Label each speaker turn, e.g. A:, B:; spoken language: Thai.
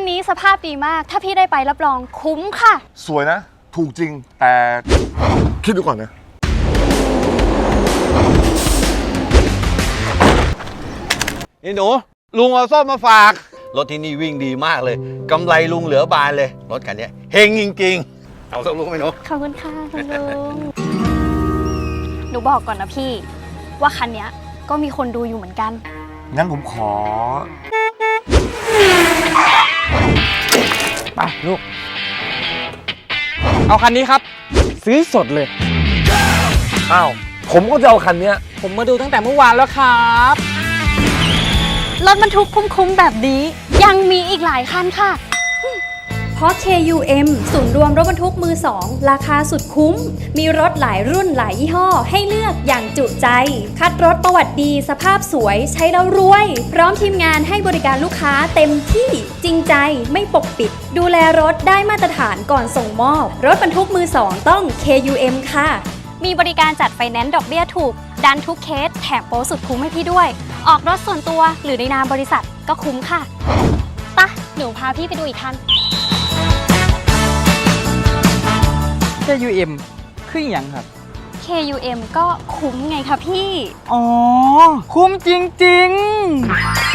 A: นี้สภาพดีมากถ้าพี่ได้ไปรับรองคุ้มค่ะ
B: สวยนะถูกจริงแต่คิดดูก่อนนะ
C: นี่หนูลุงเอาส้มมาฝากรถที่นี่วิ่งดีมากเลยกำไรลุงเหลือบานเลยรถคันนี้เฮงจริงๆเอาส้มลุงไหมหนู
A: ขอบคุณค่ะคุณลุงหนูบอกก่อนนะพี่ว่าคันนี้ก็มีคนดูอยู่เหมือนกัน
B: งั้นผมขอ
D: ไปลูกเอาคันนี้ครับซื้อสดเลย
B: อ้าวผมก็จะเอาคันนี้
D: ผมมาดูตั้งแต่เมื่อวานแล้วครับ
A: รถบรรทุกคุ้มๆแบบนี้ยังมีอีกหลายคันค่ะเพราะ KUM ศูนย์รวมรถบรรทุกมือสองราคาสุดคุ้มมีรถหลายรุ่นหลายยี่ห้อให้เลือกอย่างจุใจคัดรถประวัติดีสภาพสวยใช้แล้วรวยพร้อมทีมงานให้บริการลูกค้าเต็มที่จริงใจไม่ปกปิดดูแลรถได้มาตรฐานก่อนส่งมอบรถบรรทุกมือสองต้อง KUM ค่ะมีบริการจัดไฟแนนซ์ดอกเบี้ยถูกดันทุกเคสแถมโปรสุดคุ้มให้พี่ด้วยออกรถส่วนตัวหรือในนามบริษัทก็คุ้มค่ะปะหนูพาพี่ไปดูอีกคัน
D: KUM คืออย่างครับ
A: KUM ก็คุ้มไงคะพี่
D: อ๋อคุ้มจริงๆ